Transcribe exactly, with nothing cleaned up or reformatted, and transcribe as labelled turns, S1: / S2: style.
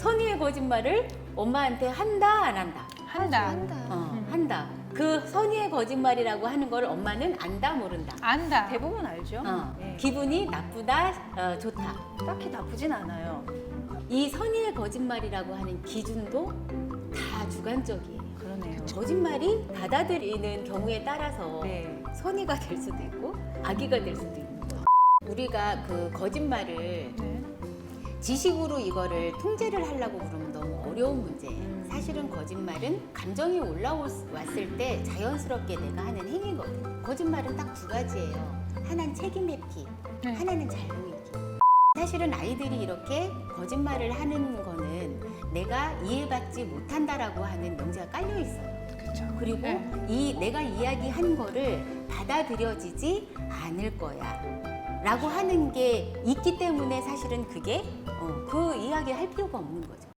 S1: 선의의 거짓말을 엄마한테 한다 안 한다?
S2: 한다.
S3: 한다.
S1: 어,
S2: 음.
S1: 한다. 그 선의의 거짓말이라고 하는 걸 엄마는 안다 모른다.
S2: 안다.
S3: 대부분 알죠?
S1: 어,
S3: 예.
S1: 기분이 나쁘다 어, 좋다.
S3: 딱히 나쁘진 않아요.
S1: 이 선의의 거짓말이라고 하는 기준도 다 주관적이에요.
S3: 그러네요.
S1: 거짓말이 받아들이는 경우에 따라서
S3: 네.
S1: 선의가 될 수도 있고 악의가 될 수도 있는 거예요. 우리가 그 거짓말을
S2: 네.
S1: 지식으로 이거를 통제를 하려고 그러면 너무 어려운 문제예요.
S3: 음.
S1: 사실은 거짓말은 감정이 올라왔을 때 자연스럽게 내가 하는 행위거든요. 거짓말은 딱 두 가지예요. 하나는 책임 회피,
S2: 네.
S1: 하나는 잘못 잊기. 사실은 아이들이 이렇게 거짓말을 하는 거는 내가 이해받지 못한다라고 하는 명제가 깔려 있어요.
S2: 그렇죠.
S1: 그리고
S2: 네.
S1: 이 내가 이야기한 거를 받아들여지지 않을 거야 라고 하는 게 있기 때문에 사실은 그게 어, 그 이야기 할 필요가 없는 거죠.